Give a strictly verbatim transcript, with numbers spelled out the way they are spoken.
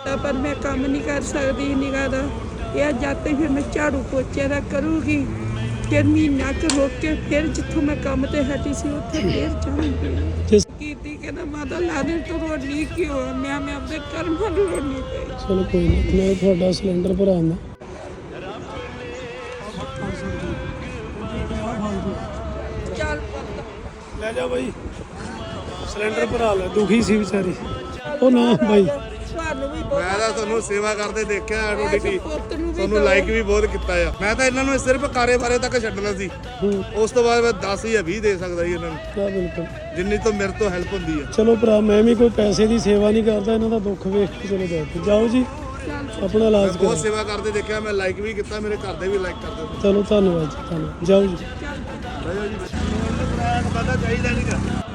ਦਿੱਤਾ ਪਰ ਮੈਂ ਕੰਮ ਨਹੀਂ ਕਰ ਸਕਦੀ ਨਿਗਾਹ ਦਾ। ਇਹ ਜਦ ਤੱਕ ਫਿਰ ਮੈਂ ਝਾੜੂ ਪੋਚੇ ਦਾ ਕਰੂੰਗੀ, ਫਿਰ ਮਹੀਨਾ ਕੁ ਰੁਕ ਕੇ ਫਿਰ ਜਿੱਥੋਂ ਮੈਂ ਕੰਮ ਤੇ ਹਟੀ ਸੀ ਉੱਥੇ ਫਿਰ ਜਾਊਂਗੀ। ਕੀਤੀ ਕਹਿੰਦਾ ਮਾਤਾ ਲਾਦੇ ਤੋਂ ਰੋਣੀ ਕਿਉਂ? ਮੈਂ ਮੈਂ ਆਪਣੇ ਕਰਮਾਂ ਨੂੰ ਰੋਣੀ ਪਈ। ਚਲੋ ਕੋਈ ਨਹੀਂ, ਮੈਂ ਤੁਹਾਡਾ ਸਿਲੰਡਰ ਭਰਾਉਂਦਾ। ਚੱਲ ਪੁੱਤ ਲੈ ਜਾ ਬਾਈ, ਸਿਲੰਡਰ ਭਰਾ ਲੈ। ਦੁਖੀ ਸੀ ਵਿਚਾਰੀ। ਉਹ ਨਾ ਬਾਈ, ਤੁਹਾਨੂੰ ਵੀ ਮੈਂ ਤਾਂ ਤੁਹਾਨੂੰ ਸੇਵਾ ਕਰਦੇ ਦੇਖਿਆ ਤੁਹਾਡੀ ਟੀ ਪੁੱਤ ਨੂੰ ਵੀ ਤੁਹਾਨੂੰ ਲਾਈਕ ਵੀ ਬਹੁਤ ਕੀਤਾ ਆ। ਮੈਂ ਤਾਂ ਇਹਨਾਂ ਨੂੰ ਸਿਰਫ ਕਾਰੇ ਬਾਰੇ ਤੱਕ ਛੱਡਣਾ ਸੀ, ਉਸ ਤੋਂ ਬਾਅਦ ਮੈਂ ਦਸ ਜਾਂ ਵੀਹ ਦੇ ਸਕਦਾ ਜੀ ਇਹਨਾਂ ਨੂੰ, ਕਿਆ ਬਿਲਕੁਲ। ਜਿੰਨੀ ਤੋਂ ਮੇਰੇ ਤੋਂ ਹੈਲਪ ਹੁੰਦੀ ਆ। ਚਲੋ ਭਰਾ, ਮੈਂ ਵੀ ਕੋਈ ਪੈਸੇ ਦੀ ਸੇਵਾ ਨਹੀਂ ਕਰਦਾ, ਇਹਨਾਂ ਦਾ ਦੁੱਖ ਵੇਖ ਕੇ ਚਲੋ ਜਾਓ ਜਾਓ ਜੀ, ਆਪਣਾ ਇਲਾਜ ਕਰੋ। ਬਹੁਤ ਸੇਵਾ ਕਰਦੇ ਦੇਖਿਆ ਮੈਂ, ਲਾਈਕ ਵੀ ਕੀਤਾ, ਮੇਰੇ ਘਰ ਦੇ ਵੀ ਲਾਈਕ ਕਰਦੇ। ਚਲੋ ਧੰਨਵਾਦ ਜੀ, ਧੰਨਵਾਦ। ਜਾਓ ਜੀ। ਚਾਹੀਦਾ ਨਹੀਂਗਾ।